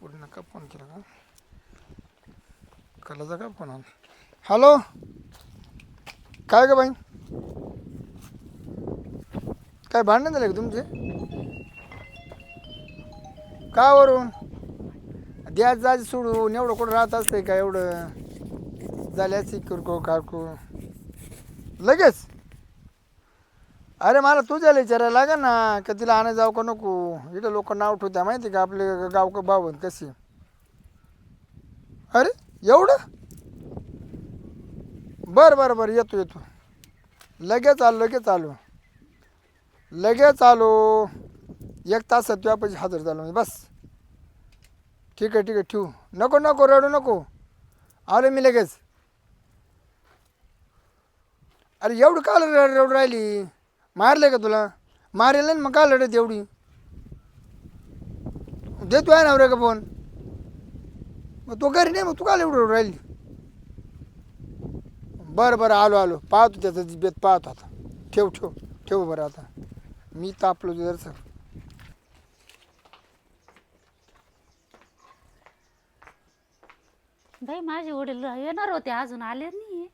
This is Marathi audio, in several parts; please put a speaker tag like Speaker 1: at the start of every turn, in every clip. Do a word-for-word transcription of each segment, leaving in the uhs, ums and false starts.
Speaker 1: पूर्ण का फोन केला का कलाचा का फोन आला. हॅलो काय ग बाई काय भांडण झालं का तुमचे का वरून द्याच जाज सोडून एवढं कुठं राहत असतंय का एवढं झाल्याची किरकोळ कारको लगेच. अरे मला तुझ्याला विचारायला लागेल ना का तिला आणा जाऊ का नको. इथं लोक नाव ठेवत्या माहिती का आपले गाव का बावन कशी. अरे एवढं बरं बरं बरं येतो येतो लगेच आलो लगेच आलो लगेच आलो एक तासात तुझ्या पैसे हजर झालो मी बस. ठीक आहे ठीक आहे ठेवू नको नको रडू नको आलो मी लगेच. अरे एवढं का रडू राहिली मारले का तुला मारेल ना मग का लढत एवढी देतो आहे ना रे का फोन मग तो घरी नाही मग तू का एवढं राहिली. बरं बरं आलो आलो पाहतो त्याचं बेत पाहतो आता. ठेव ठेव ठेव बरं आता मी तापलो जरसं.
Speaker 2: बाई माझे वडील येणार होते अजून आले नाही.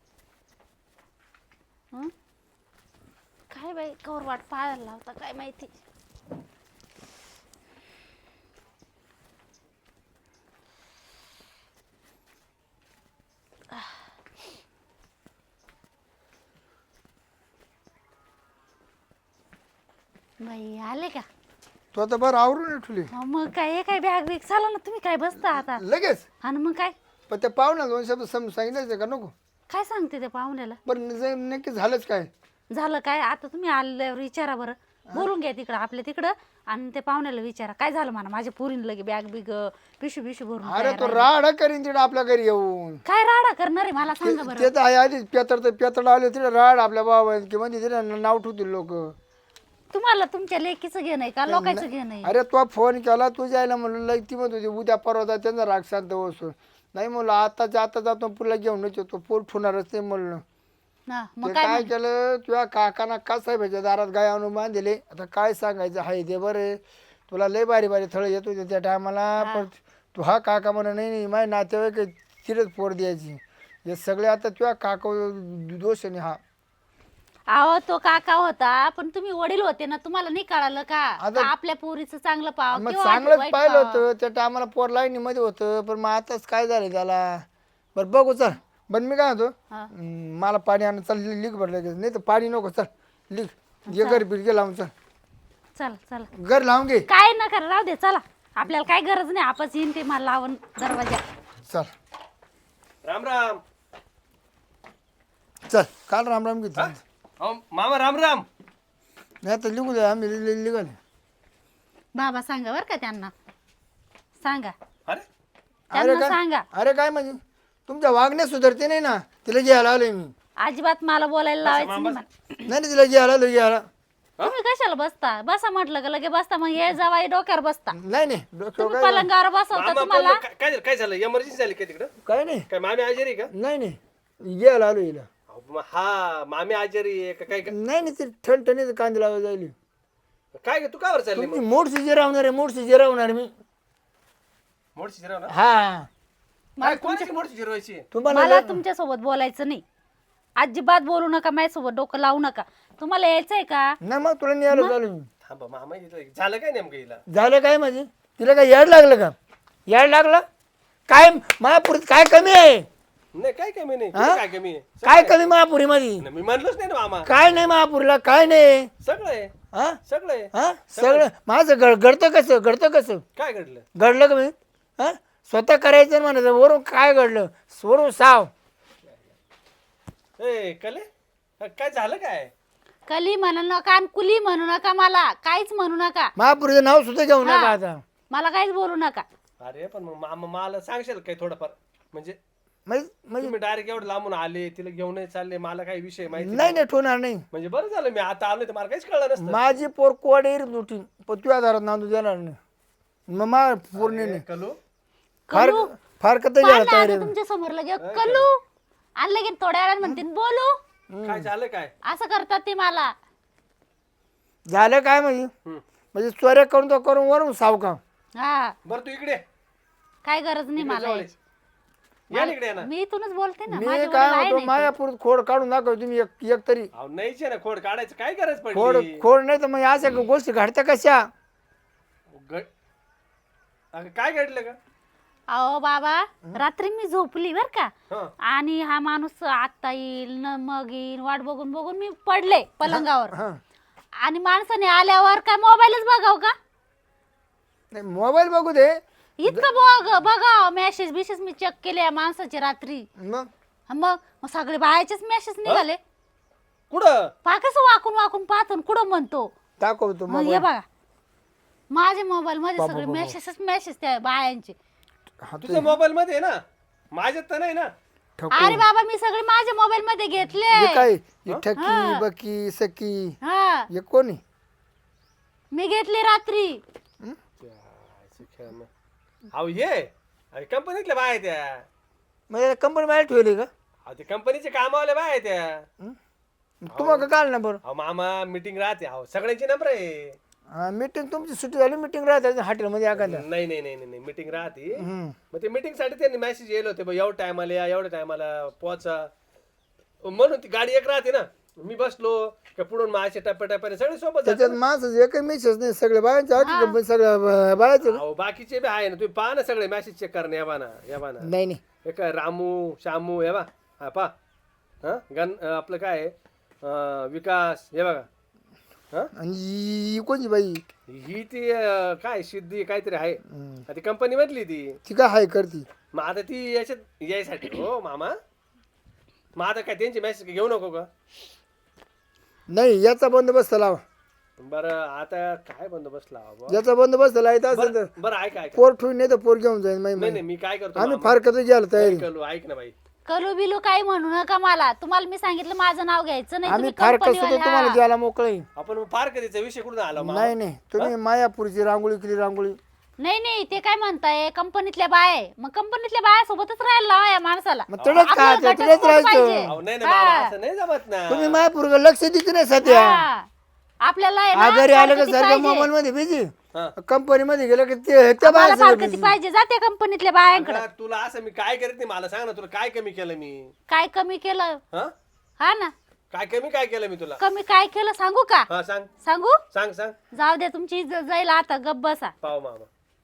Speaker 2: हं? काय बाई कवर वाट पाहायला लावता काय माहिती. बाई आले का
Speaker 1: तू आता बरं आवरून ठेवली
Speaker 2: हा, मग काय हे काय बॅग बिग चाला ना तुम्ही काय बसता आता
Speaker 1: लगेच.
Speaker 2: आणि मग काय
Speaker 1: पण त्या पाहुणा दोन शब्द सम सांगितलं का नको.
Speaker 2: काय सांगते त्या पाहुण्याला
Speaker 1: पण जे नक्की झालंच काय
Speaker 2: झालं काय आता तुम्ही आल्यावर विचारा बरं बोलून घ्या तिकडं आपल्या तिकडं आणि ते पाहुण्याला विचारा काय झालं म्हणा माझ्या पोरीन लगे बॅग बिग पिशू पिशू भरून
Speaker 1: अरे
Speaker 2: तयार
Speaker 1: तो
Speaker 2: आहे.
Speaker 1: राडा करीन तिकडे आपल्या घरी येऊन.
Speaker 2: काय राडा करणार आहे मला सांगा बरं.
Speaker 1: ते तर आहे आधीच पेतर तर पेतर आले तिथे राड आपल्या बाबा की म्हणजे तिथे नाव ठेवतील लोक.
Speaker 2: तुम्हाला तुमच्या लेकीचं घेणं आहे का लोकांचं घेणं आहे.
Speaker 1: अरे तो फोन केला तू जायला म्हणलं लई ती म्हणत होती उद्या परवा त्यांचा राग शांत बसून नाही म्हणलं आताच्या आता जातो पुढला घेऊनच येतो पोट ठेवणारच नाही म्हणलं.
Speaker 2: हा,
Speaker 1: ते
Speaker 2: मग
Speaker 1: काय
Speaker 2: काय
Speaker 1: केलं तुझ्या काकाना का साहेबाच्या दारात गाय आणून बांधले. आता काय सांगायचं हाय ते बरं तुला लय बारी बारी थळ येत होते त्या टायमाला. पण तू हा काका म्हणा नाही नाही माझे नातेवाईक तिरच पोर द्यायची हे सगळे आता तुझ्या काका दोष आहे हा.
Speaker 2: अहो तो काका होता पण तुम्ही वडील होते ना तुम्हाला नाही कळालं का
Speaker 1: आता-
Speaker 2: का आपल्या पोरीचं चांगलं पाव
Speaker 1: मग
Speaker 2: किंवा
Speaker 1: चांगलंच
Speaker 2: वाईट
Speaker 1: पाहिलं
Speaker 2: पाहावं?
Speaker 1: होतं त्या टायमाला पोर लाईनीमध्ये होतं पण मग आताच काय झालं त्याला. बरं बघू चल बरं मी काय म्हणतो
Speaker 2: हा.
Speaker 1: हम्म, मला पाणी आणून चल लिक भरलं नाही तर पाणी नको चल लिक ये घर बिरगे लावून चल
Speaker 2: चल चल
Speaker 1: घर लावून घे
Speaker 2: काय न करा राहू दे चला आपल्याला काय गरज नाही आपच येईन ते मला लावून दरवाजा.
Speaker 1: चल
Speaker 3: राम राम.
Speaker 1: चल काल राम राम घेतली
Speaker 3: अहो मामा राम राम.
Speaker 1: नाही तर लिहू दे आम्ही लिगाले.
Speaker 2: बाबा सांगा बर का त्यांना सांगा
Speaker 3: अरे
Speaker 1: अरे
Speaker 2: त्यांना
Speaker 1: काय
Speaker 2: सांगा
Speaker 1: अरे काय म्हणजे तुमच्या वागण्यात सुधारते नाही ना तिला घ्यायला आलोय मी.
Speaker 2: अजिबात मला बोलायला लावायचं नाही मला.
Speaker 1: नाही नाही तिला घ्यायला आलो घ्यायला.
Speaker 2: तुम्ही कशाला बसता बसा म्हटलं का लगे बसता मग हे जावाई डोक्यावर बसता
Speaker 1: नाही नाही डोक्यावर
Speaker 2: तुम्ही
Speaker 1: काय
Speaker 2: पलंगावर बसवता
Speaker 3: मामा
Speaker 2: तुम्हाला
Speaker 3: पण काय काय झालं? काय झालं एमर्जन्सी झाली काय तिकडं?
Speaker 1: काय नाही
Speaker 3: काय मामी आजारी आहे का?
Speaker 1: नाही नाही घ्यायला आलो हिला.
Speaker 3: अहो, मग हा मामी आजारी आहे का काय का-
Speaker 1: नाही नाही ते ठणठणीत कांदे लावायला जायली.
Speaker 3: काय ग तू कावर चालली
Speaker 1: तुम्ही
Speaker 3: मग?
Speaker 1: मोडशी जिरावणार आहे मोडशी जिरावणार मी.
Speaker 3: मोडशी जिरव ना.
Speaker 1: हा
Speaker 3: काय कोणाची मोडशी जिरवायची?
Speaker 1: तुम्हाला
Speaker 2: मला तुमच्या सोबत बोलायचं नाही अजिबात बोलू नका माझ्यासोबत डोकं लावू नका. तुम्हाला यायचंय का
Speaker 1: नाही मग तुला न्यायला चालू मी.
Speaker 3: थांबा मामा इथं झालं काय नेमकं हिला?
Speaker 1: झालं काय म्हणजे तिला काय याड लागलं का याड लागलं काय महापुरीत काय कमी आहे
Speaker 3: नाही काय कमी नाही
Speaker 1: हा?
Speaker 3: कुठं काय कमी आहे?
Speaker 1: काय कमी महापुरीमध्ये
Speaker 3: नाही, मी म्हणलोच नाही ना मामा.
Speaker 1: काय नाही महापुरीला काय नाही
Speaker 3: सगळं आहे
Speaker 1: हा
Speaker 3: सगळं आहे.
Speaker 1: हा सगळं माझं घड घडतं कसं घडतं कसं
Speaker 3: काय घडलं?
Speaker 1: घडलं का मी हा स्वतः करायचं म्हणायचं वरून काय घडलं वरून साव
Speaker 3: ए कले हा, काय झालं काय?
Speaker 2: कली म्हणू नका आणि कुली म्हणू नका मला काहीच म्हणू नका
Speaker 1: महापुरीचं नाव सुद्धा घेऊ नका
Speaker 2: हा.
Speaker 1: आता
Speaker 2: मला काहीच बोलू नका.
Speaker 3: अरे पण मग मामा मला सांगशाल काय थोडंफार म्हणजे
Speaker 1: म्हणजे म्हणजे
Speaker 3: तुम्ही डायरेक्ट एवढं लांबून आले तिला घेऊन चालले मला काही विषय माहिती
Speaker 1: नाही नाही ठेवणार नाही
Speaker 3: म्हणजे बरं झालं मी आता आलोय तर मला काहीच कळलं नसतं.
Speaker 1: माझी पोर कोड येईल तुटी पण तुझ्या आधारात नांदू देणार नाही मग मा पूर्ण
Speaker 3: ए, कलू
Speaker 1: फार
Speaker 2: कलू
Speaker 1: फार कत
Speaker 2: पाहिलं आता तुमच्या समोर लगे कलू आणि लगे थोड्या वेळात म्हणते बोलू
Speaker 3: काय झालं काय?
Speaker 2: असं करतात ते मला.
Speaker 1: झालं काय म्हणजे
Speaker 3: हम्म.
Speaker 1: म्हणजे चोऱ्या करून तो करून वरून साव का
Speaker 2: हा
Speaker 3: बरं तू इकडे
Speaker 2: काय गरज नाही मला
Speaker 3: जवळ
Speaker 2: याची.
Speaker 3: या ना इकडे या ना.
Speaker 2: मी इथूनच बोलते ना
Speaker 1: मी
Speaker 2: माझे वडील
Speaker 1: काय
Speaker 2: आहे
Speaker 1: म्हणतो
Speaker 2: ना
Speaker 1: मायापूर खोड काढून दाखव तुम्ही एक एक तरी
Speaker 3: अहो नाहीच आहे ना खोड काढायचं काय गरज
Speaker 1: खोड
Speaker 3: पडली
Speaker 1: खोड नाही तर मग अशा गोष्टी घडत्या कशा
Speaker 3: ग- अगं, काय घडलं का
Speaker 2: अहो बाबा रात्री मी झोपली बर का
Speaker 3: हा
Speaker 2: आणि हा माणूस आता येईल न मग येईल वाट बघून बघून मी पडले पलंगावर
Speaker 1: हा
Speaker 2: आणि माणसाने आल्यावर काय मोबाईलच बघाव का
Speaker 1: नाही मोबाईल बघू दे
Speaker 2: इतकं बघ बघा मेसेज बिसेज मी चेक केले या माणसाचे रात्री
Speaker 1: मग
Speaker 2: मग मग सगळे बायाचेच मेसेज निघाले
Speaker 3: कुठं
Speaker 2: पा कसं वाकून वाकून पाहतो कुठं म्हणतो
Speaker 1: दाखवतो
Speaker 2: मग हे
Speaker 1: मोबाईल
Speaker 2: बघा माझ्या मोबाईल मध्ये
Speaker 1: बाबा,
Speaker 2: सगळे
Speaker 1: बाबा.
Speaker 2: मेसेजच मेसेज त्या बायांचे
Speaker 1: हा तू
Speaker 3: तुझ्या मोबाईल मध्ये आहे ना माझ्यात तर नाही ना
Speaker 1: ठको
Speaker 2: अरे बाबा मी सगळे माझ्या मोबाईल मध्ये
Speaker 1: हे
Speaker 2: घेतले
Speaker 1: काय ही ठकी बकी सकी
Speaker 2: हा
Speaker 1: हे कोणी
Speaker 2: मी घेतले रात्री
Speaker 3: अहो ये कंपनीतल्या बाय आहे त्या
Speaker 1: म्हणजे कंपनी बाहेर ठेवली का
Speaker 3: अहो ते कंपनीचे कामावाले बाय आहे त्या
Speaker 1: हं? तुम्हाला काढ ना बरं
Speaker 3: अहो मामा मीटिंग राहते अहो सगळ्यांची नंबर आहे
Speaker 1: मीटिंग तुमची सुट्टी झाली मीटिंग राहते हॉटेलमध्ये एखाद्या
Speaker 3: नाही नाही नाही नाही मीटिंग राहते
Speaker 1: हं.
Speaker 3: मग ते मीटिंग साठी त्यांनी मेसेज येलो होते एवढ्या टायमाला या एवढ्या टायमाला पोहोचा म्हणून ती गाडी एक राहते ना मी बसलो का पुढून माझ्या टप्प्या टप्प्याने सगळे सोबत जातात.
Speaker 1: त्याच्यात माणसाचं एकही मेसेज नाही सगळे बायांचे आखी कंपनी सगळ्या बायाचे
Speaker 3: अहो बाकीचे बी आहे ना तुम्ही पहा ना सगळे मेसेज चेक करणे या बाना या बाना
Speaker 1: नाही नाही
Speaker 3: हे काय रामू शामू हे बा हा पा हा गण अं, आपलं काय आहे? अं, विकास हे बघा हा
Speaker 1: आणि ही कोणची बाई
Speaker 3: ही ती अं, काय सिद्धी काहीतरी आहे
Speaker 1: हं.
Speaker 3: ती कंपनी मधली ती
Speaker 1: ती काय हाय करती
Speaker 3: मग आता ती याच्यात यायसाठी हो मामा मग आता काय त्यांची मेसेज घेऊ नको का
Speaker 1: नाही याचा बंदोबस्त लावा
Speaker 3: बरं आता काय बंदोबस्त लावा बुवा?
Speaker 1: याचा बंदोबस्त लावायचा असेल तर
Speaker 3: बरं बरं ऐका ऐका
Speaker 1: पोर ठेवून नाही तर पोर घेऊन जाईल माही
Speaker 3: नाही नाही मी काय करतो
Speaker 1: आम्ही
Speaker 3: मामा?
Speaker 1: फार कसं घ्यायला तयारी
Speaker 3: नाही करू, ऐक ना बाई
Speaker 2: कलू बिलू काही म्हणू नका मला तुम्हाला मी सांगितलं माझं नाव घ्यायचं नाही
Speaker 1: आम्ही
Speaker 2: तुम्ही
Speaker 1: फार कसं
Speaker 2: कंपनीवाले,
Speaker 1: तुम्हाला
Speaker 2: हा.
Speaker 1: द्यायला मोकळे
Speaker 3: आपण फार कधीचा विषय कुठून आला मामा?
Speaker 1: नाही नाही तुम्ही मायापूरची रांगोळी केली रांगोळी
Speaker 2: नाही नाही ते काय म्हणताय कंपनीतल्या बाया आहे. मग कंपनीतल्या बाया सोबतच राहायला लावा या माणसाला
Speaker 1: मग तिकडेच
Speaker 2: आपल्याला
Speaker 1: खायचं
Speaker 2: घटस्फोट
Speaker 1: तिकडेच राहायचं
Speaker 2: पाहिजे.
Speaker 3: अहो, नाही ना मामा असं नाही जमत ना
Speaker 1: तुम्ही मायापूर लक्ष देते नाही सध्या
Speaker 2: हा. आपल्याला आहे ना,
Speaker 1: आजारी आलं का
Speaker 2: फारकती
Speaker 1: सारखं
Speaker 2: पाहिजे.
Speaker 1: मोबाईल मध्ये बिझी
Speaker 3: हा.
Speaker 1: कंपनी मध्ये गेलं की ते त्या
Speaker 2: मला
Speaker 1: बाहेर
Speaker 2: फारकती पाहिजे जाते कंपनीतल्या बायांकडे
Speaker 3: अगं, तुला असं मी काय करत नाही मला सांग ना तुला काय कमी केलं मी
Speaker 2: काय कमी केलं
Speaker 3: हा
Speaker 2: हा ना
Speaker 3: काय कमी काय केलं मी तुला
Speaker 2: कमी काय केलं सांगू का
Speaker 3: हा सांग
Speaker 2: सांगू
Speaker 3: सांग सांग
Speaker 2: जाऊ दे तुमची इज्जत जाईल आता गप्प बसा
Speaker 3: पाव मामा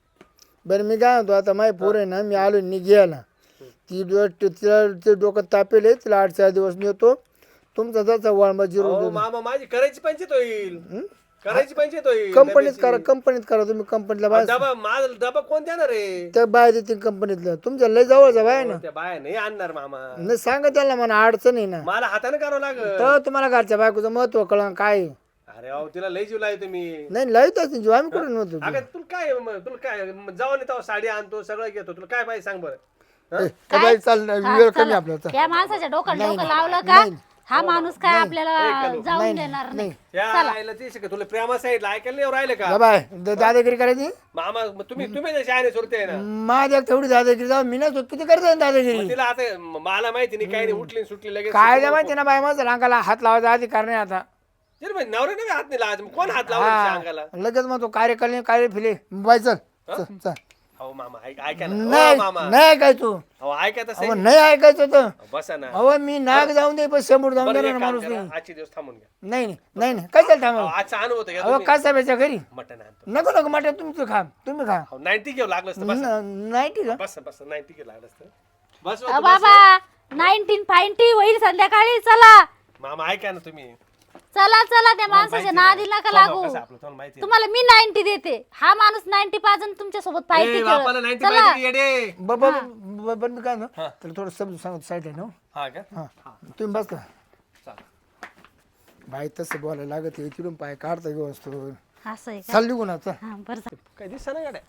Speaker 1: बरं मी काय म्हणतो आता माय पोर आहे ना मी आलो निघायला ती डो- तिला ते डोकं तापेल आहे, तिला आठ चार दिवस नेतो तुमचा त्याचा वळमा जिरून
Speaker 3: अहो, मामा माझी करायची पंचायत होईल करायची पंचायत होईल
Speaker 1: कंपनीत
Speaker 3: डब्याची.
Speaker 1: करा कंपनीत करा तुम्ही कंपनीतला बाय
Speaker 3: डबा माझा डबा कोण देणार आहे
Speaker 1: त्या बाय देतील कंपनीतल्या तुमच्या लय जवळचा बाय आहे ना
Speaker 3: त्या बाया नाही आणणार मामा
Speaker 1: नाही सांगा त्याला म्हणा अडचण आहे ना
Speaker 3: मला हाताने करावं लागल
Speaker 1: तर तुम्हाला घरच्या बायकोचं महत्व कळलं काय आहे.
Speaker 3: अरे अहो तिला लई जीव लाय तुम्ही
Speaker 1: नाही लाईतच नाही जीव आम्ही कुठे नव्हतो
Speaker 3: अगं तुला काय म- तुला काय म- जाऊन येतो साडी आणतो सगळं घेतो तुला काय पाहिजे सांग बरं हं?
Speaker 1: त्या बाई चाल ना,
Speaker 2: हा,
Speaker 1: वेळ कमी
Speaker 2: चला.
Speaker 1: आपला चल.
Speaker 2: या माणसाच्या डोक्यात
Speaker 1: नाही,
Speaker 2: डोकं
Speaker 1: नाही,
Speaker 2: लावलं का
Speaker 1: नाही.
Speaker 2: हा माणूस काय आपल्याला
Speaker 3: नाही,
Speaker 2: जाऊन
Speaker 1: नाही,
Speaker 2: देणार नाही
Speaker 1: नाही.
Speaker 3: त्या आईला ते शिकत तुला प्रेमा साईडला ऐकायला नाही राहिले का
Speaker 1: जा बाय द- दादागिरी करायची
Speaker 3: मामा मग तुम्ही तुम्ही जशी आहे सुरते आहे ना
Speaker 1: माझ्या तेवढी दादागिरी जाऊ मी नाही किती करतो दादागिरी
Speaker 3: मग तिला आता म- मला माहिती नाही काही नाही उठली आणि सुटली लगेच
Speaker 1: काय द्या माहिती ना बाय माझं अंगाला हात लावायचा अधिकार नाही आता
Speaker 3: चल बाई, नवऱ्याने बी हात नाही लावायचा मग कोण हात लावला तिच्या अंगाला
Speaker 1: हा लगेच मग तो कार्यकाल कार्य फिले बाय चल चल, चल
Speaker 3: अहो मामा ऐक- ऐका ना
Speaker 1: नाही
Speaker 3: अहो, मामा
Speaker 1: नाही ऐकायचं तू
Speaker 3: अहो ऐका तसं
Speaker 1: अहो नाही ऐकायचं तर
Speaker 3: बसा ना
Speaker 1: अहो मी नाग जाऊन दे पण समोर जाऊन
Speaker 3: बरं,
Speaker 1: देणार
Speaker 3: एक काम
Speaker 1: माणूस
Speaker 3: करा,
Speaker 1: नाही
Speaker 3: आजचे दिवस थांबून घ्या
Speaker 1: नाही नाही नाही नाही काय चालतं
Speaker 3: अहो,
Speaker 1: आम्हाला
Speaker 3: आजचा अनुभव घ्या
Speaker 1: अहो
Speaker 3: तुम्ही
Speaker 1: काय साहेबाच्या घरी
Speaker 3: मटण आणतो
Speaker 1: नको नको मटे तुमचं खा तुम्ही खा
Speaker 3: अहो नाईन्टी घेऊ लागलं असतं बस
Speaker 1: न- नाही ठीक आहे
Speaker 3: बस बस नाईन्टी घेऊ लागलं असतं बस
Speaker 2: अ बाबा नाईन्टीन फायन्टी होईल संध्याकाळी चला
Speaker 3: मामा ऐका ना तुम्ही
Speaker 2: चला चला त्या माणसाच्या नादी नका लागू
Speaker 3: कसं आपलं तुम्हाला माहिती आहे.
Speaker 2: तुम्हाला मी नाईन्टी देते हा माणूस नाईन्टी पाच तुमच्या सोबत
Speaker 3: ए,
Speaker 2: फायटी
Speaker 3: बापाला नाईन्टी
Speaker 2: चला
Speaker 3: पाहिजे येडे
Speaker 1: बाबा पण मी काय ना त्याला थोडं समजून सांगतो साईड आहे ना
Speaker 3: हा का
Speaker 1: हा तुम्ही बसता
Speaker 3: चालेल.
Speaker 1: बाई तसं बोलायला लागत आहे तिकडून पाय काढता घेऊ असतो
Speaker 2: असं आहे का
Speaker 1: चाल निघून आता
Speaker 2: हा बरं झालं.
Speaker 3: काय दिसत ना गाड्या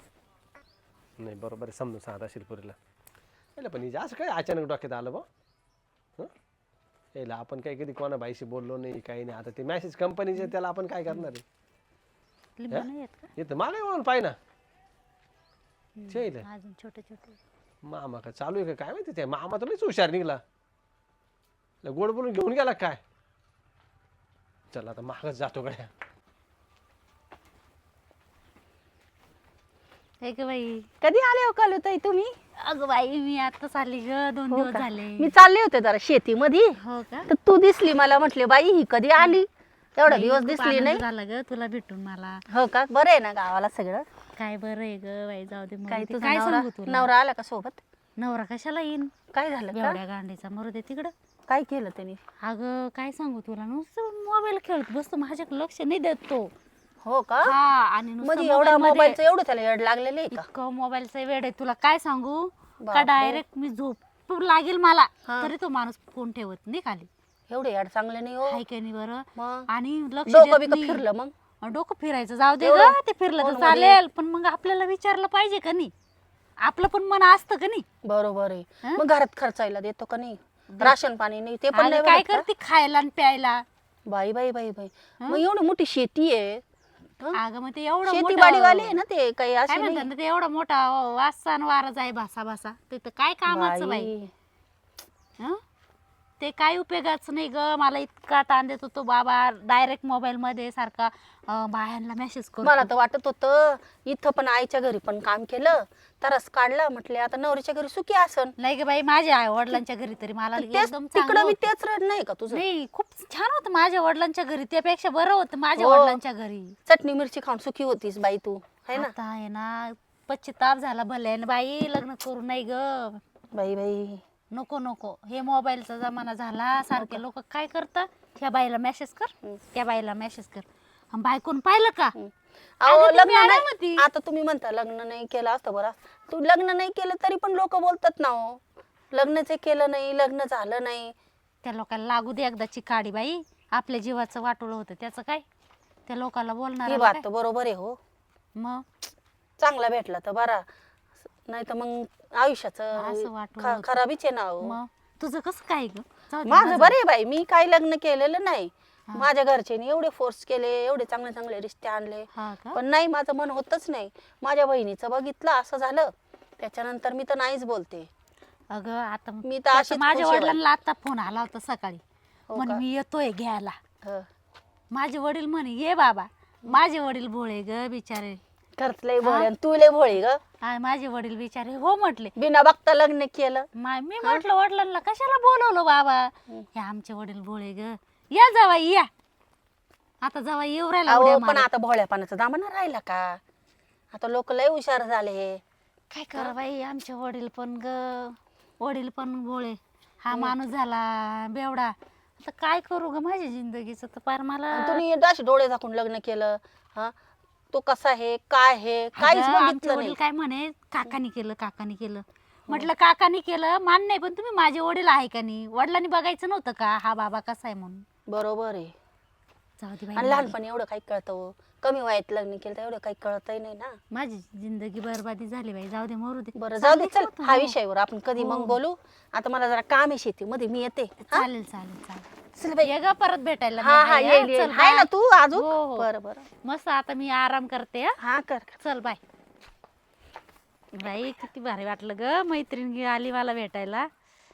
Speaker 3: नाही बरोबर आहे समजून सांगा शिरपुरीला याला पण हिच्या असं काय अचानक डोक्यात आलं बा हं? याला आपण काही कधी कोणा बाईशी बोललो नाही काही नाही आता ते मॅसेज कंपनीचे त्याला आपण काय करणार आहे
Speaker 2: लिंबू नाही येत का
Speaker 3: येतं मला म्हणून पाय ना शेल
Speaker 2: अजून छोटे छोटे
Speaker 3: मामा का चालू आहे का काय माहिती ते मामा तर लईच हुशार निघला लय गोड बोलून घेऊन गेला काय चला आता मागच जातो गड्या
Speaker 2: हे ग बाई.
Speaker 4: कधी आले हो कलुताई तुम्ही?
Speaker 2: अगं बाई मी आता चालली ग, दोन
Speaker 4: हो
Speaker 2: दिवस
Speaker 4: का?
Speaker 2: झाले.
Speaker 4: मी चालले होते जरा शेतीमध्ये,
Speaker 2: हो का?
Speaker 4: तर तू दिसली मला. म्हटले बाई ही कधी आली, एवढा
Speaker 2: बाई,
Speaker 4: दिवस
Speaker 2: खूप
Speaker 4: दिसली
Speaker 2: आनंद
Speaker 4: नाही.
Speaker 2: झाला ग तुला भेटून मला.
Speaker 4: हो का? बरं आहे ना गावाला सगळं?
Speaker 2: काय बरं आहे ग बाई, जाऊ दे मरू
Speaker 4: काय
Speaker 2: दे.
Speaker 4: तुझा
Speaker 2: काय
Speaker 4: नवरा
Speaker 2: सांगू तुला?
Speaker 4: नवरा आला का सोबत?
Speaker 2: नवरा कशाला येईन?
Speaker 4: काय झालं का?
Speaker 2: एवढ्या गांडीचा मरू दे तिकडं.
Speaker 4: काय केलं त्यांनी?
Speaker 2: अगं काय सांगू तुला, नुसतं मोबाईल खेळत बसतो, माझ्याकडे लक्ष नाही देत तो.
Speaker 4: हो का?
Speaker 2: हा, आणि नुसतं
Speaker 4: म्हणजे एवढा
Speaker 2: मोबाईलमध्ये
Speaker 4: मोबाईलचं एवढं त्याला येड लागलेलं आहे का?
Speaker 2: इतकं मोबाईलचं वेड आहे तुला काय सांगू का.
Speaker 4: बापरे.
Speaker 2: डायरेक्ट मी झोप लागेल मला
Speaker 4: हा.
Speaker 2: तरी तो माणूस फोन ठेवत नाही खाली.
Speaker 4: एवढे याड चांगले नाही हो.
Speaker 2: हाय की नाही बरं.
Speaker 4: मग
Speaker 2: आणि लक्ष
Speaker 4: डोकं
Speaker 2: देत
Speaker 4: बिकं
Speaker 2: नाही.
Speaker 4: फिरलं मग?
Speaker 2: अं, डोकं फिरायचं जाऊ दे
Speaker 4: एवढं
Speaker 2: ग, ते फिरलं तर
Speaker 4: फोनमध्ये.
Speaker 2: चालेल, पण मग आपल्याला विचारलं पाहिजे का नाही. आपलं पण मन असतं का नाही.
Speaker 4: बरोबर आहे.
Speaker 2: हं?
Speaker 4: मग घरात खर्चायला देतो का नाही? राशन पाणी नाही ते पण
Speaker 2: आणि
Speaker 4: नाही
Speaker 2: काय
Speaker 4: बघत का?
Speaker 2: करते खायला आणि प्यायला.
Speaker 4: बाई बाई बाई बाई मग एवढी मोठी शेती आहे. हं?
Speaker 2: अगं मग ते एवढं
Speaker 4: शेती
Speaker 2: मोठं-
Speaker 4: बाडीवाले आहे ना ते, काही
Speaker 2: काय
Speaker 4: असे
Speaker 2: म्हणतात
Speaker 4: नाही.
Speaker 2: ना, ते एवढा मोठा वासान वारा जाय भासा भासा, ते तर काय कामाचं बाई.
Speaker 4: बाई.
Speaker 2: हं? ते काय उपयोगाचं नाही ग. मला इतका ताण देत होतो बाबा, डायरेक्ट मोबाईल मध्ये सारखा अं, बायांना मेसेज करतो.
Speaker 4: मला तर वाटत होतं इथं पण आईच्या घरी पण काम केलं, तरच काढलं. म्हटले आता नवरीच्या घरी सुखी असन.
Speaker 2: नाही ग बाई, माझ्या आई वडिलांच्या घरी तरी मला
Speaker 4: तेच
Speaker 2: एकदम चांगलं
Speaker 4: तिकडं मी
Speaker 2: होतं.
Speaker 4: तेच रड नाही का तुझं?
Speaker 2: नाही, खूप छान होतं माझ्या वडिलांच्या घरी, त्यापेक्षा बरं होतं माझ्या
Speaker 4: हो.
Speaker 2: वडिलांच्या घरी.
Speaker 4: चटणी मिरची खाऊन सुखी होतीस बाई तू, है ना?
Speaker 2: आता आहे ना पश्चिताप झाला भले बाई, लग्न करू नाही ग.
Speaker 4: बाई बाई
Speaker 2: नको नको, हे मोबाईलचा जमाना झाला. सारखे लोक काय करतात, ह्या बाईला मेसेज कर, त्या बाईला मेसेज कर. अन बायकोन पाहिलं का,
Speaker 4: अहो
Speaker 2: अगं ती
Speaker 4: लग्न
Speaker 2: मॅडम
Speaker 4: नाही.
Speaker 2: होती.
Speaker 4: आता तुम्ही म्हणता लग्न नाही केलं असतं बरं. तू लग्न नाही केलं तरी पण लोक बोलतात ना हो, लग्नच केलं नाही, लग्न झालं नाही.
Speaker 2: त्या लोकांना लागू दे एकदाची काडी बाई. आपल्या जीवाचं वाटोळं होतं त्याचं काय, त्या लोकांना
Speaker 4: ही
Speaker 2: बोलणार
Speaker 4: बात तर बरोबर आहे हो.
Speaker 2: मग.
Speaker 4: चांगला भेटला तर बरा, नाही तर मग
Speaker 2: असं
Speaker 4: आयुष्याचं
Speaker 2: वाटून
Speaker 4: ख-
Speaker 2: होतं.
Speaker 4: खराबीच आहे ना हो.
Speaker 2: मग तुझं कसं काय ग? जाऊ दे,
Speaker 4: माझं
Speaker 2: माझं-
Speaker 4: बरे बाई, मी काही लग्न केलेलं नाही. माझ्या घरच्यांनी एवढे फोर्स केले, एवढे चांगले चांगले रिश्ते आणले,
Speaker 2: हा का?
Speaker 4: पण नाही, माझं मन होतच नाही. माझ्या बहिणीचं बघितलं असं झालं, त्याच्यानंतर मी तर नाहीच बोलते.
Speaker 2: अगं आता
Speaker 4: मी तर
Speaker 2: त्याचं
Speaker 4: अशीच
Speaker 2: माझ्या
Speaker 4: खुश आहे
Speaker 2: वडिलांना आता फोन आला होता सकाळी,
Speaker 4: हो
Speaker 2: म्हणे
Speaker 4: का?
Speaker 2: मी येतोय घ्यायला.
Speaker 4: हं.
Speaker 2: माझे वडील म्हणे ये बाबा. माझे वडील भोळे ग बिचारे.
Speaker 4: खरंच लय भोळी आणि तू लय भोळी ग.
Speaker 2: हा, माझे वडील बिचारे हो म्हटले.
Speaker 4: बिना बघता लग्न केलं.
Speaker 2: मा- मी म्हटलं वडिलांना कशाला बोलवलं बाबा, हे आमचे वडील भोळे ग. या जावाई या. आता जावाई येऊ राहिला
Speaker 4: अहो
Speaker 2: उड्या
Speaker 4: पण
Speaker 2: मारत.
Speaker 4: आता भोळ्या पाण्याचा दामाना राहिला का? आता लोक लय हुशार झाले.
Speaker 2: काय करा बाई, आमचे वडील पण ग, वडील पण भोळे. हा माणूस झाला बेवडा. आता काय करू ग माझ्या जिंदगीचं, तर पार मला.
Speaker 4: आणि तुम्ही अशी डोळे झाकून लग्न केलं. हा, तो कसा आहे काय आहे काहीच
Speaker 2: अगं, आमचे
Speaker 4: बघितलं
Speaker 2: वडील
Speaker 4: नाही.
Speaker 2: काय म्हणे, काकानी केलं काकानी केलं. म्हटलं काकानी केलं मान नाही, पण तुम्ही माझे वडील आहे का नाही, वडिलांनी बघायचं नव्हतं का हा बाबा कसा आहे म्हणून.
Speaker 4: बरोबर आहे.
Speaker 2: जाऊ दे
Speaker 4: आणि
Speaker 2: बाई,
Speaker 4: लहानपणी एवढं काही कळतं हो. कमी वयात लग्न केलं तर एवढं काही कळतही नाही ना.
Speaker 2: माझी जिंदगी बरबादी झाली बाई. जाऊ दे मरू दे.
Speaker 4: बरं जाऊ दे, चल
Speaker 2: चालेल,
Speaker 4: हा
Speaker 2: हो.
Speaker 4: विषयावर आपण कधी मग बोलू. आता मला जरा काम आहे शेतीमध्ये, मी येते.
Speaker 2: चालेल चालेल चालेल.
Speaker 4: चल बाई.
Speaker 2: ये ग परत भेटायला मी
Speaker 4: हा हा
Speaker 2: आहे,
Speaker 4: येईल
Speaker 2: हा.
Speaker 4: येईल.
Speaker 2: चल,
Speaker 4: आहे ना
Speaker 2: बाय.
Speaker 4: तू अजून?
Speaker 2: हो, हो.
Speaker 4: बरं बरं.
Speaker 2: मस्त आता मी आराम करते हा.
Speaker 4: हा कर कर.
Speaker 2: चल बाय. बाई किती भारी वाटलं ग, मैत्रीण आली मला भेटायला.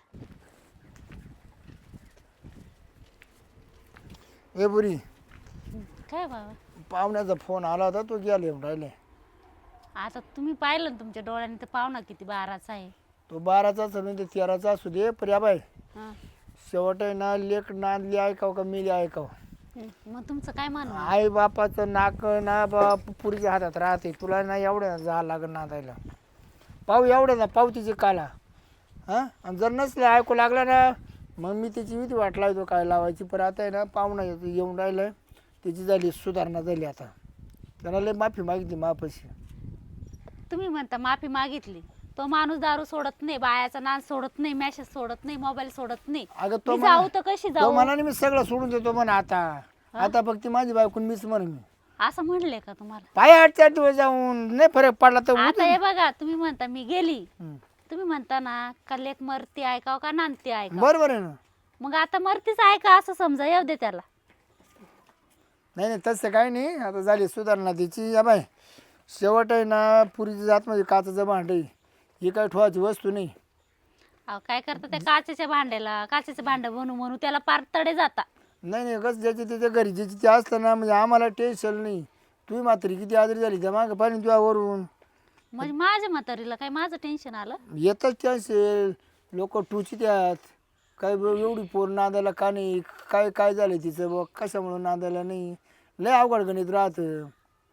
Speaker 1: ए बुरी,
Speaker 2: काय बाबा,
Speaker 1: पाहुण्याचा फोन आला होता, तो गेला येऊन राहिले.
Speaker 2: आता तुम्ही पाहिलं ना तुमच्या डोळ्याने, तर पाहुणा किती बाराचा आहे.
Speaker 1: तो बाराचा असू दे तेराचा असू दे, पण या बाय
Speaker 2: हा.
Speaker 1: शेवट आहे ना, लेख नांदली ऐकाव का मिली ऐकाव.
Speaker 2: मग तुमचं काय म्हणणं आहे?
Speaker 1: आई बापाचं नाक ना बाप पुरीच्या हातात राहते. तुला ना एवढ्या जा लागत नांदायला. पाहू एवढ्या ना पाहू तिची काला. हां, आणि जर नसले ऐकू लागला ना, मग मी त्याची विधी वाट लावतो काय लावायची. पण आता आहे ना, पाहुणा येतो येऊन राहिलं, त्याची झाली सुधारणा झाली. आता त्याला लय माफी मागितली मापाशी.
Speaker 2: तुम्ही म्हणता माफी मागितली, तो माणूस दारू सोडत नाही, बायाचा नाच सोडत नाही, मॅसेज सोडत नाही, मोबाईल सोडत नाही.
Speaker 1: अगं तो
Speaker 2: मी जाऊ
Speaker 1: म्हणा-
Speaker 2: तर कशी
Speaker 1: तो
Speaker 2: जाऊ
Speaker 1: मनाने मी सगळं सोडून देतो म्हणा. आता आता फक्त माझी बायकून मीच म्हणून मी
Speaker 2: असं म्हणले का तुम्हाला?
Speaker 1: पाय आठ चार दिवस जाऊन नाही फरक पडला तर
Speaker 2: आता हे बघा, तुम्ही म्हणता मी गेली,
Speaker 1: हम्म.
Speaker 2: तुम्ही म्हणता ना का लेक मरती ऐकाव का नांदती ऐकाव.
Speaker 1: बरोबर आहे ना.
Speaker 2: मग आता मरतीच ऐका असं समजा, येऊ दे त्याला.
Speaker 1: नाही नाही तसं काही नाही. आता झाली सुधारणा तिची. या बाय शेवट आहे ना, पुरीची जात म्हणजे काचाचं भांड आहे, ही काय ठेवायची वस्तू नाही.
Speaker 2: अहो, काय करता त्या काचेच्या भांड्याला, काचेचं भांड बनू म्हणू त्याला पार तडे जाता.
Speaker 1: नाही नाही कसं ज्याची त्याच्या घरी ज्याची ते असतं ना, म्हणजे आम्हाला टेन्शन नाही. तुम्ही मात्र किती आजारी झाली त्या मागं पाणी तुझ्यावरून.
Speaker 2: म्हणजे माझ्या म्हातारीला काय माझं टेन्शन आलं?
Speaker 1: येतच त्याचे लोक टुची त्यात काय ब- एवढी पोर नांदायला का नाही, काय काय झालं तिचं बघ, कशामुळं नांदायला नाही, लय अवघड गणित राहतं.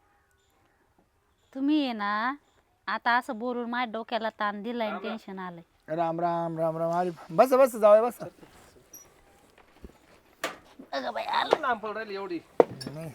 Speaker 2: तुम्ही आहे ना आता असं बोलून माझ्या डोक्याला ताण दिलाय, टेन्शन आलंय.
Speaker 1: राम राम राम राम आली बस बस जाऊया बस.
Speaker 2: अगं बाई आलं.
Speaker 3: लांब पडून राहिली एवढी.
Speaker 1: नाही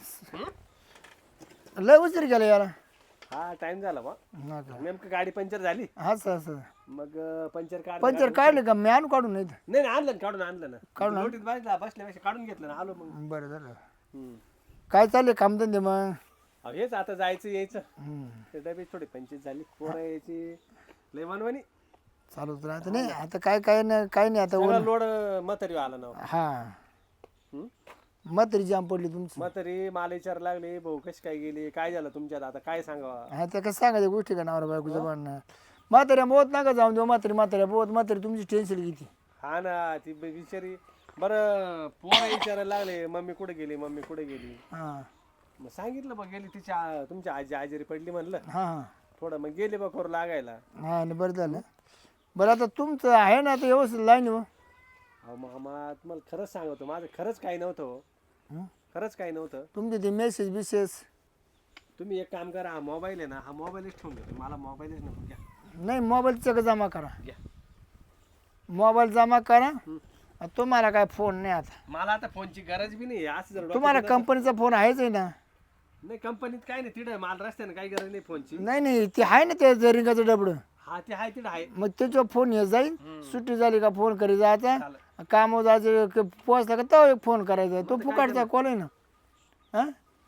Speaker 1: लय उशीर केला याला.
Speaker 3: हा टाइम झाला बा.
Speaker 1: हा का?
Speaker 3: नेमकं गाडी पंक्चर झाली.
Speaker 1: हा सर सर
Speaker 3: मग अं, पंक्चर काढ
Speaker 1: पंचर काढले का मी आणू काढून नाही तर.
Speaker 3: नाही नाही, आणलं ना, काढून आणलं ना.
Speaker 1: काढून आण.
Speaker 3: लोटीत बसला बसल्यापेक्षा काढून घेतलं ना, आलो मग.
Speaker 1: बरं झालं.
Speaker 3: हम्म.
Speaker 1: काय चालले कामधंदे मग?
Speaker 3: अहो, हेच आता जायचं यायचं.
Speaker 1: हम्म.
Speaker 3: ते डबे थोडे पंचवीस झाली, पोरं यायची लय मनवानी.
Speaker 1: चालूच राहतं नाही आता काय काय नाही काय नाही आता
Speaker 3: सगळा
Speaker 1: ऊन-
Speaker 3: लोड म्हातारी आला ना.
Speaker 1: हा
Speaker 3: हम्म?
Speaker 1: म्हातारी जाम पडली तुमची.
Speaker 3: म्हातारी मला विचार लागले, भाऊ कशी काय गेली, काय झालं तुमच्यात, आता काय सांगावा.
Speaker 1: हा त्या कसं सांगायच्या गोष्टी का नवरा बायकोचं भांडणं. म्हाताऱ्या बोत नका जाऊन देऊ, म्हातारी म्हाताऱ्या बोत म्हातारी तुमची टेन्शन किती.
Speaker 3: हा ना, ती बी- बिचारी बरं पोरं विचारायला लागले, मम्मी कुठे गेली, मम्मी कुठे गेली.
Speaker 1: हा
Speaker 3: मग सांगितलं बघ, गेली तिच्या तुमच्या आजी आजारी पडली म्हणलं.
Speaker 1: हा हा
Speaker 3: थोडं मग गेले बघ करू लागायला.
Speaker 1: हा आणि बरं झालं. बरं आता तुमचं आहे ना आता व्यवस्थित लाईन हो.
Speaker 3: अहो मामा, तुम्हाला खरंच सांगतो, माझं खरंच काही नव्हतं हो.
Speaker 1: हं?
Speaker 3: खरंच काही नव्हतं.
Speaker 1: तुमचे ते मेसेज बिसेस.
Speaker 3: तुम्ही एक काम करा, हा मोबाईल आहे ना, हा मोबाईलच ठेवून घेतो, मला मोबाईलच नको. घ्या
Speaker 1: नाही मोबाईलचं जमा करा,
Speaker 3: घ्या.
Speaker 1: मोबाईल जमा करा. तुम्हाला काय फोन नाही आता,
Speaker 3: मला आता फोनची गरज बी नाही. असं जर डोक्यात
Speaker 1: तुम्हाला
Speaker 3: येतं-
Speaker 1: कंपनीचा फोन आहेच आहे ना.
Speaker 3: नाही कंपनीत काय नाही, तिथं मला रस्त्याने काही गरज नाही फोनची.
Speaker 1: नाही नाही ते आहे ना ते रिंगाचं डबडं.
Speaker 3: हा ते आहे, तिथं आहे.
Speaker 1: मग त्याच्यावर फोन येत जाईल. सुट्टी झाली का फोन करी जायचा,
Speaker 3: चालेल.
Speaker 1: कामावर जायचं क- पोहोचला का तो एक फोन करायचा. तो फुकाटचा कॉल आहे ना. हा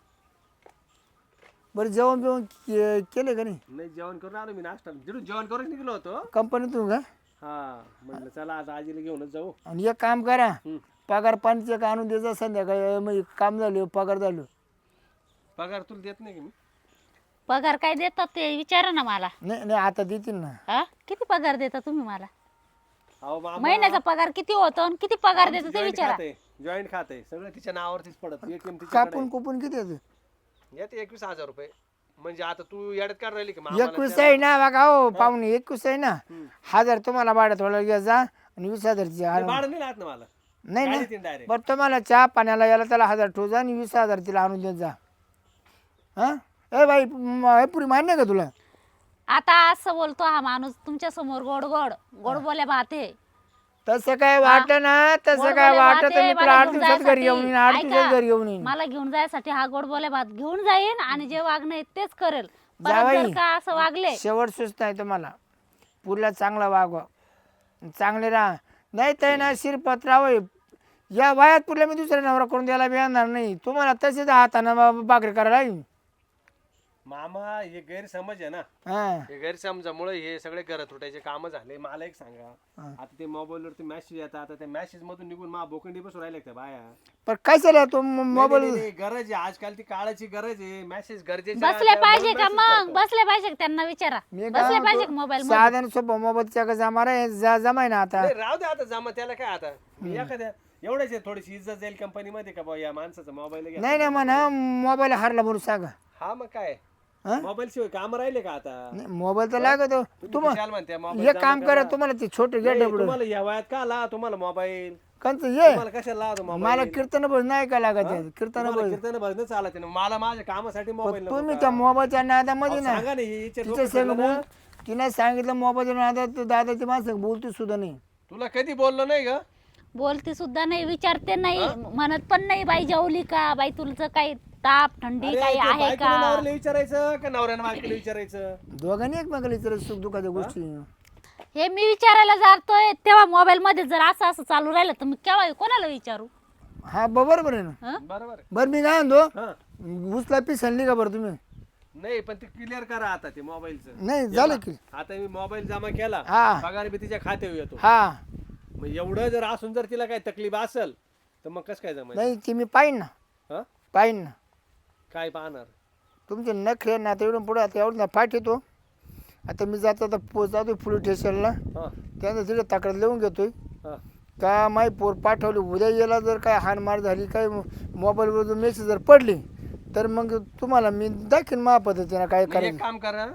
Speaker 1: बरं जेवण बिवण के- केलं का नाही?
Speaker 3: नाही जेवण करून आलो मी, नाश्ता जिथून जेवण करून निघलो होतो.
Speaker 1: कंपनीतून का?
Speaker 3: हा म्हटलं चला आज आजीला घेऊनच जाऊ.
Speaker 1: आणि एक काम करा,
Speaker 3: हम्म.
Speaker 1: पगार पाणीचं का आणून द्यायचं संध्याकाळी. मग काम झालं पगार झालं.
Speaker 3: पगार तुला देत नाही की मी?
Speaker 2: पगार काय देतात ते विचारा ना मला.
Speaker 1: नाही नाही आता देतील ना.
Speaker 2: हा किती पगार देता तुम्ही मला?
Speaker 3: अहो मामा,
Speaker 2: महिन्याचा पगार किती होतो आणि किती पगार देता ते विचारा.
Speaker 3: जॉईंट खाते सगळं तिच्या नावावरतीच पडत. एटीएम
Speaker 1: कापून कुपून किती येतं?
Speaker 3: येते एकवीस हजार रुपये. म्हणजे आता तू याड्यात काढ राहिली की मामाला
Speaker 1: एकवीस आहे ना बघा हो पाहुणे, एकवीस आहे ना. हजार तुम्हाला भाड्यात थोडा घ्या जा आणि वीस हजारची
Speaker 3: ते
Speaker 1: आणून.
Speaker 3: भाडं नाही लागत ना मला.
Speaker 1: नाही ना
Speaker 3: गाडीत डायरेक्ट.
Speaker 1: बरं तुम्हाला चहा पाण्याला याला त्याला हजार ठेवू जा आणि वीस हजार तिला आणून देत जा. हा ए बाई म- हे पुरी मान्य आहे का तुला?
Speaker 2: आता असं बोलतो हा माणूस तुमच्या समोर गोड गोड गोड बोले भाते.
Speaker 1: तसं काय वाटलं ना, तसं
Speaker 2: गोड
Speaker 1: काय
Speaker 2: बोले
Speaker 1: वाटत
Speaker 2: भाते,
Speaker 1: मी तुला
Speaker 2: मला
Speaker 1: आठ
Speaker 2: घेऊन
Speaker 1: दिवसात घरी येऊन येईन, आठ
Speaker 2: जायसाठी.
Speaker 1: दिवसात
Speaker 2: ऐका,
Speaker 1: घरी येऊन येईन.
Speaker 2: मला घेऊन जायसाठी हा गोड बोले भात घेऊन जाईन आणि जे वागणं आहे तेच करेल. परत
Speaker 1: जावई.
Speaker 2: जर का असं वागले
Speaker 1: शेवट सुस्त आहे तुम्हाला. पुरला चांगला वागवा, चांगले राहा. नाही तर ना शिरपत्राव या वयात पुरल्या मी दुसऱ्या नवरा करून द्यायला बी येणार नाही. तुम्हाला तसेच हातानं बा- भाकरी करायला येईल.
Speaker 3: मामा हे गैरसमज आहे ना.
Speaker 1: हा
Speaker 3: हे गैरसमजामुळे हे सगळे घरात तुटायचे काम झाले. मला एक सांगा, आता ते मोबाईलवरती मेसेज येतात, आता त्या मेसेज मधून निघून मा बोकंडी बसून राहिले त्या बाया.
Speaker 1: पण काय झालं तो
Speaker 3: नाही,
Speaker 1: मोबाईल
Speaker 3: नाही, नाही, गरज आहे आजकाल, ती काळाची गरज आहे. मेसेज गरजेचे
Speaker 2: बसले पाहिजे का मग? बसले पाहिजे का त्यांना विचारा.
Speaker 1: मी
Speaker 2: बसले पाहिजे मोबाईल
Speaker 1: साधन सोपं मोबाईलच्या का जमा रे जा- जमाय ना आता.
Speaker 3: राहू दे आता, जमा त्याला काय आता. मी एखाद्या एवढ्याच आहे, थोडीशी इज्जत जाईल कंपनीमध्ये का बा या माणसाचा मोबाईल घ्या.
Speaker 1: नाही नाही म्हणा मोबाईल हारला म्हणून सांगा.
Speaker 3: हा मग काय,
Speaker 1: हा?
Speaker 3: मोबाईल शिवाय काम राहिले का आता?
Speaker 1: नाही, मोबाईल तर लागतो.
Speaker 3: तुम्ही खुशाल म्हणते मोबाईल
Speaker 1: एक
Speaker 3: जमा
Speaker 1: काम करा,
Speaker 3: करा.
Speaker 1: तुम्हाला ते छोटे
Speaker 3: नाही,
Speaker 1: गेट
Speaker 3: तुम्हाला या वयात का ला तुम्हाला मोबाईल?
Speaker 1: कंच ये
Speaker 3: तुम्हाला कशाला लावतो
Speaker 1: मला
Speaker 3: मोबाईल?
Speaker 1: कीर्तन भजन नाही का लागत आहे. कीर्तन
Speaker 3: तुम्हाला
Speaker 1: भजन
Speaker 3: कीर्तन भजन चालत नाही. मला माझ्या कामासाठी मोबाईल नको
Speaker 1: तुम्ही
Speaker 3: का?
Speaker 1: त्या मोबाईलच्या नादामध्ये
Speaker 3: अहो,
Speaker 1: ना
Speaker 3: सांगा नाही हिचे
Speaker 1: तिच्या
Speaker 3: डोकं
Speaker 1: संग
Speaker 3: फिरलं
Speaker 1: बोल
Speaker 3: ना.
Speaker 1: तिने सांगितलं मोबाईलच्या नादात दादाची माणसं बोलते सुद्धा नाही.
Speaker 3: तुला कधी बोललो नाही ग?
Speaker 2: बोलते सुद्धा नाही, विचारते नाही, म्हणत पण नाही बाई जेवली का, बाई तुमचं काही ताप थंडी
Speaker 3: अरे,
Speaker 2: काही
Speaker 3: ते
Speaker 2: आहे
Speaker 3: बायकोला
Speaker 2: का.
Speaker 3: नवऱ्याला विचारायचं का नवऱ्यानं बायकोला विचारायचं?
Speaker 1: दोघांनी एकमेकाला विचारत सुख दुःखाच्या गोष्टी.
Speaker 2: हे मी विचारायला जातोय तेव्हा मोबाईल मध्ये जर असं असं चालू राहिलं तर मी केव्हा कोणाला विचारू?
Speaker 1: हा बरोबर आहे ना.
Speaker 2: हं?
Speaker 3: बरोबर आहे.
Speaker 1: बरं मी काय म्हणतो,
Speaker 3: हा.
Speaker 1: उचला पिसलली का बरं तुम्ही?
Speaker 3: नाही पण ते क्लिअर करा आता ते मोबाईलचं.
Speaker 1: नाही झालं की.
Speaker 3: आता मी मोबाईल जमा केला,
Speaker 1: हा.
Speaker 3: पगार बी तिच्या खात्यावर येतो.
Speaker 1: हा
Speaker 3: मग एवढं जर असून जर तिला काही तकलीफ असेल तर मग कसं काय जमायचं?
Speaker 1: नाही ते मी पाहिन ना,
Speaker 3: हा?
Speaker 1: पाहिन ना.
Speaker 3: काय पाहणार?
Speaker 1: तुमचे नखरे ना आता एवढं पुढे आता एवढं ना फाट येतो. आता मी जातो आता पोच जातो पोलीस स्टेशनला,
Speaker 3: हा
Speaker 1: त्यानंतर तिथे तक्रार लिहून घेतोय
Speaker 3: हा
Speaker 1: का माई पोर पाठवली. उद्या याला जर काय हानमार झाली, काय मोबाईलवर जर मेसेज जर पडली तर मग तुम्हाला मी दाखीन मा पद्धतीनं काय
Speaker 3: मी एक
Speaker 1: करायचं.
Speaker 3: काम करा,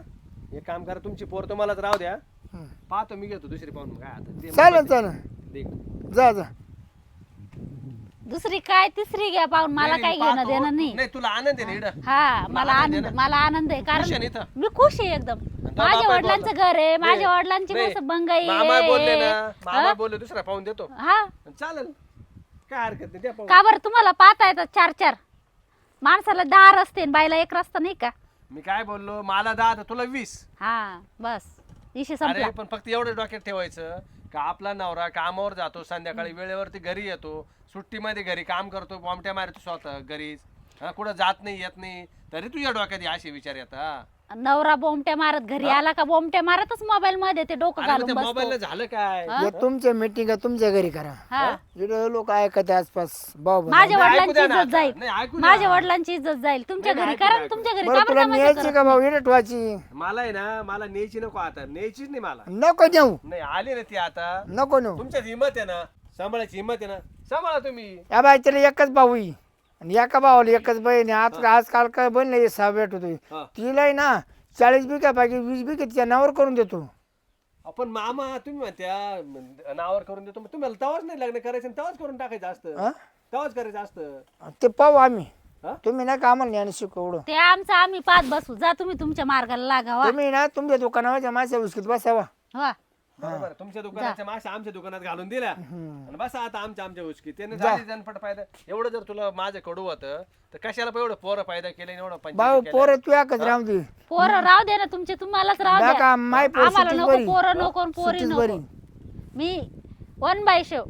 Speaker 3: एक काम करा तुमची पोर तुम्हालाच राहू द्या
Speaker 1: हं.
Speaker 3: पाहतो मी घेतो दुसरी पाहून मग काय आता ते
Speaker 1: चालेल चालेल
Speaker 3: दे.
Speaker 1: जा जा
Speaker 2: दुसरी काय तिसरी घ्या पाहून मला
Speaker 3: नाही,
Speaker 2: काही
Speaker 3: नाही,
Speaker 2: घेणं
Speaker 3: पाहतो.
Speaker 2: देणं नाही.
Speaker 3: नाही तुला आनंद आहे ना इकडं
Speaker 2: हा मला
Speaker 3: आनंद आहे
Speaker 2: आनंद
Speaker 3: ना?
Speaker 2: मला आनंद आहे
Speaker 3: खुश आहे ना
Speaker 2: कारण
Speaker 3: इथं?
Speaker 2: मी खुश आहे एकदम
Speaker 3: तो
Speaker 2: माझ्या
Speaker 3: बाप आहे
Speaker 2: वडिलांचं
Speaker 3: बोलला.
Speaker 2: घर आहे माझ्या
Speaker 3: नाही,
Speaker 2: वडिलांची
Speaker 3: नाही.
Speaker 2: मस्त बंगाई
Speaker 3: मामा बोलले
Speaker 2: आहे.
Speaker 3: ना मामा
Speaker 2: हा?
Speaker 3: बोलले दुसरा पाहून देतो
Speaker 2: हा
Speaker 3: चालेल काय हरकत नाही द्या पाहून.
Speaker 2: का बरं तुम्हाला पाहता येतात चार चार माणसाला दहा रस्ते आणि बाईला एक रस्ता नाही का?
Speaker 3: मी काय बोललो मला दहा तर तुला वीस
Speaker 2: हा बस विषय संपला.
Speaker 3: अरे पण फक्त एवढं डोक्यात ठेवायचं का आपला नवरा कामावर जातो संध्याकाळी वेळेवरती घरी येतो सुट्टीमध्ये घरी काम करतो बॉम्बट्या मारतो स्वतः घरीच हा कुठं जात नाही येत नाही तरी तुझ्या डोक्यात हे असे विचार येतात
Speaker 2: नवरा बोमट्या मारत घरी आला का बोमट्या मारतच मोबाईल मध्ये ते डोकं घालून
Speaker 3: मोबाईल
Speaker 2: बसतो.
Speaker 3: झालं काय
Speaker 1: हे तुमच्या मीटिंग तुमच्या घरी करा
Speaker 2: हा
Speaker 1: इकडे लोक ऐकत आहे आसपास भाऊ बंधू.
Speaker 2: माझ्या
Speaker 3: नाही, ऐकू
Speaker 2: वडिलांची
Speaker 3: द्या ना
Speaker 2: इज्जत
Speaker 3: आता.
Speaker 2: जाईल
Speaker 3: नाही, ऐकू द्या.
Speaker 2: माझ्या वडिलांची इज्जत जाईल तुमच्या
Speaker 3: नाही,
Speaker 2: घरी
Speaker 3: ऐकू
Speaker 2: करा
Speaker 3: द्या,
Speaker 2: ना
Speaker 3: ऐकू
Speaker 2: तुमच्या घरी
Speaker 1: बरं
Speaker 2: का
Speaker 1: तुला
Speaker 2: बरं तमाशा
Speaker 1: न्यायची
Speaker 2: करत
Speaker 1: का भाऊ इडे ठेवायची
Speaker 3: मला आहे ना मला न्यायची नको आता न्यायचीच नाही मला
Speaker 1: नको नेऊ
Speaker 3: नाही आली ना ती आता
Speaker 1: नको नेऊ
Speaker 3: तुमच्यात हिंमत आहे ना सांभाळायची हिंमत आहे ना सांभाळा तुम्ही
Speaker 1: या बाई त्याला एकच भाऊ आहे. आणि एका भावाला एकच बहीण आहे. आज आजकाल काय बहीण नाही सहा भेट होतोय
Speaker 3: हा.
Speaker 1: तिला आहे ना चाळीस बिघा पाहिजे वीस बिघा तिच्या नावावर करून देतो
Speaker 3: आपण मामा तुम्ही म्हणत्या नावावर करून देतो मग तुम्हाला तवाच नाही लग्न करायचं आणि तवाच करून टाकायचं असतं
Speaker 1: हा?
Speaker 3: तवाच करायचं असतं
Speaker 1: ते पाहू आम्ही
Speaker 3: हा?
Speaker 1: तुम्ही ना कामाला ज्ञान शिकू एवढं
Speaker 2: ते आमचं आम्ही पाच बसू जा तुम्ही तुमच्या मार्गाला लागावा
Speaker 1: तुम्ही ना तुमच्या दुकानावरच्या माणसा उचकीत बसावा
Speaker 2: वा
Speaker 3: बरोबर तुमच्या दुकानाच्या माश्या आमच्या दुकानात घालून दिल्या आणि बस आता आमच्या आमच्या उचकी त्याने झाली जनपट फायदा एवढं जर तुला माझं कडू होतं तर कशाला पण एवढं पोरं फायदा केलं एवढं
Speaker 1: भाऊ
Speaker 3: पंचायत केलं?
Speaker 1: पोरं तू एकच राहू दे
Speaker 2: पोरं राहू दे ना तुमचे तुम्हालाच राहू
Speaker 1: नका,
Speaker 2: द्या
Speaker 1: माय पोर
Speaker 2: आम्हाला
Speaker 1: सुट्टीच
Speaker 2: नको
Speaker 1: बरी.
Speaker 2: पोरं नको आणि पोरी
Speaker 1: सुट्टीच
Speaker 2: नको
Speaker 1: बरी.
Speaker 2: मी वन बाय शेव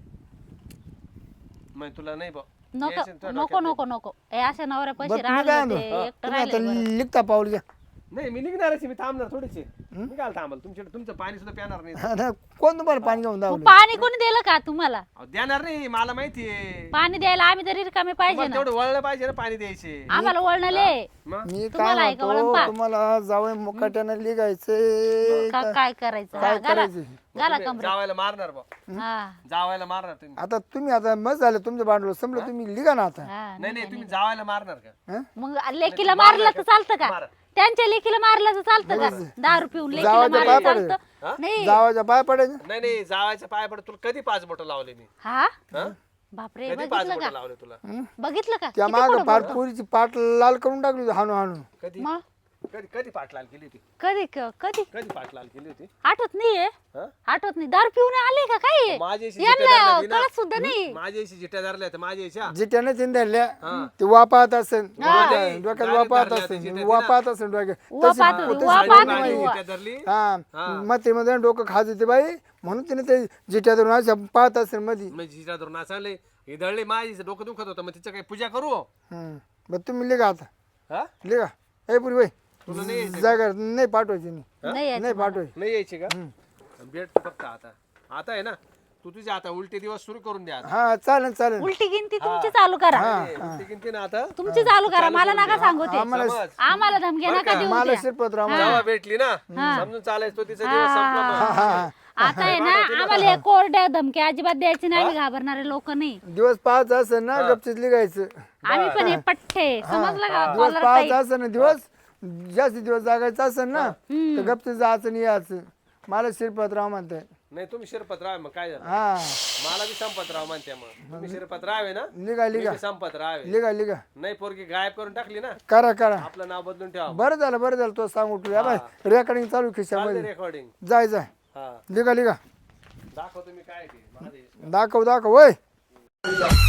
Speaker 3: मग तुला नाही बा
Speaker 2: नको नको नको नको हे अशा नवऱ्या पैसे
Speaker 1: बरं तुम्ही काय
Speaker 2: राहणार
Speaker 1: म्हणतो?
Speaker 2: एकटं
Speaker 1: तुम्ही आता
Speaker 2: राहिले बरं.
Speaker 1: लिखता पाऊल घ्या
Speaker 3: नाही मी निघणारच आहे, मी थांबणार थोडीशी मी काय थांबल तुमच्याकडे तुमचं पाणी सुद्धा प्याणार नाही
Speaker 1: आता कोण तुम्हाला पाणी घेऊन
Speaker 2: मग
Speaker 1: दावलं
Speaker 2: पाणी कोणी दिलं का तुम्हाला
Speaker 3: अहो, देणार नाही मला माहितीये
Speaker 2: पाणी द्यायला आम्ही तरी रिकामे पाहिजे
Speaker 3: तुम्हाला
Speaker 2: ना
Speaker 3: तेवढं वळलं पाहिजे ना पाणी द्यायचे
Speaker 2: आम्हाला वळणले
Speaker 3: मग
Speaker 1: मी काय
Speaker 2: तुम्हाला ऐका वळण
Speaker 1: म्हणतो
Speaker 2: पा.
Speaker 1: तुम्हाला जावं मुकाट्यानं लिगायचंय
Speaker 2: का काय करायचं
Speaker 1: काय
Speaker 2: हा, घाला
Speaker 1: करायचं?
Speaker 2: घाला
Speaker 3: तुम्ही
Speaker 2: कमरे
Speaker 3: जावायला मारणार बा
Speaker 2: हा
Speaker 3: जावायला मारणार तुम्ही
Speaker 1: आता तुम्ही आता मस्त झालं तुमचं भांडवल संपलं तुम्ही लिगा ना आता
Speaker 2: हा
Speaker 3: नाही नाही तुम्ही जावायला मारणार का
Speaker 1: हं?
Speaker 2: मग लेकीला मारलं तर चालतं का
Speaker 3: मारा.
Speaker 2: त्यांच्या लेकीला मारलं तर चालतं का दारू पिऊन लेकीला
Speaker 1: जावाच्या
Speaker 2: मारलं
Speaker 1: पाय
Speaker 2: चालतं नाही
Speaker 1: जावाच्या पाय पडायचं
Speaker 3: नाही नाही जावायच्या पाय पड तुला कधी पाच बोट लावले मी
Speaker 2: हा
Speaker 3: हा?
Speaker 2: बापरे
Speaker 3: कधी पाच
Speaker 2: बघितलं
Speaker 3: बोट
Speaker 2: का
Speaker 3: लावले तुला
Speaker 2: बघितलं का
Speaker 1: त्या
Speaker 2: किती
Speaker 1: माग
Speaker 2: पुढं
Speaker 1: फार
Speaker 2: बोलतो?
Speaker 1: पोरीची पाट लाल करून टाकली होती हाणू हाणू
Speaker 3: कधी
Speaker 2: मग
Speaker 3: कधी कधी पाटलाल केली होती
Speaker 2: कधी क- कधी
Speaker 3: कधी पाटलाल केली होती
Speaker 2: आठवत नाहीये
Speaker 3: हा?
Speaker 2: आठवत नाही दारू पिऊन आले का काय
Speaker 3: माझ्याशी
Speaker 2: यांना
Speaker 3: जिट्या धरल्या होती
Speaker 2: कळत सुद्धा नाही
Speaker 3: ना माझ्याशी जिट्या धरल्या तर माझ्याच्या
Speaker 1: जिट्याने चिंधरल्या ते वापात असेल
Speaker 3: नाही,
Speaker 1: डोक्यात
Speaker 3: direct
Speaker 1: वापात
Speaker 3: धरल्या
Speaker 1: असेल
Speaker 3: त्या
Speaker 1: वापात असेल डोक्यात
Speaker 2: वा
Speaker 1: तशी-
Speaker 2: पाहत होती,
Speaker 1: तशी
Speaker 2: वा
Speaker 1: साडी
Speaker 2: पाहत
Speaker 1: नाही.
Speaker 2: होती.
Speaker 3: जिट्या धरली
Speaker 1: हा मते मध्ये डोकं खात होते बाई म्हणून तिने ते जिट्या धरून अशा पाहत असेल मध्ये
Speaker 3: मग जिट्या धरून असाले हे धरले माझी डोकं दुखत होतं मग तिचं काही पूजा करू
Speaker 1: हम्म. बरं तुम्ही लिगा आता
Speaker 3: हा
Speaker 1: लिगा ए पुरी बाई
Speaker 3: तुला नाही यायचं
Speaker 1: जागा नाही पाठवायची नाही
Speaker 2: नाही यायचं
Speaker 1: नाही
Speaker 2: मला.
Speaker 1: पाठवायची
Speaker 3: नाही यायची का भेट फक्त आता आता आहे ना तू तुझे आता उलटे दिवस सुरू करून द्या आता.
Speaker 1: हा चालेल चालेल
Speaker 2: उलटी गिनती तुमची चालू करा
Speaker 3: ए, उलटी गिनती ना आता
Speaker 2: तुमची चालू करा मला नका सांगू ते
Speaker 1: आम्हाला
Speaker 3: समज.
Speaker 2: आम्हाला धमक्या नका देऊ
Speaker 1: मला
Speaker 2: द्या.
Speaker 1: शिरपतराव
Speaker 3: जेव्हा भेटली ना समजून चालायचं तो तिचा दिवस संपला मग.
Speaker 2: आता आहे ना आम्हाला एक कोरड्या धमक्या अजिबात द्यायची नाही आम्ही घाबरणारे लोक नाही
Speaker 1: दिवस पाच असेल ना गपचीत लिगायचं
Speaker 2: आम्ही पण हे पठ्ठे समजलं का
Speaker 1: दिवस
Speaker 2: कॉलर
Speaker 1: पाच
Speaker 2: टाईप
Speaker 1: असेल ना दिवस जास्त दिवस जागायचं असेल ना तर गपचीत जायचं नाही यायचं मला शिरपतराव म्हणते
Speaker 3: नाही तुम्ही शिरपतराव आहे मग काय झालं
Speaker 1: हा
Speaker 3: मला बी संपतराव म्हणते मग तुम्ही शिरपतराव आहे ना
Speaker 1: लिगा
Speaker 3: मी
Speaker 1: लिगा
Speaker 3: बी संपतराव आहे
Speaker 1: लिगा लिगा
Speaker 3: नाही पोरगी गायब करून टाकली ना
Speaker 1: करा करा
Speaker 3: आपलं नाव बदलून ठेवा
Speaker 1: बरं झालं बरं झालं तो सांगू तुला बाय रेकॉर्डिंग चालू खिशामध्ये
Speaker 3: रेकॉर्डिंग
Speaker 1: जाय जाय
Speaker 3: हा
Speaker 1: लिगा लिगा
Speaker 3: दाखव तुम्ही काय ते माझे
Speaker 1: दाखव दाखव वय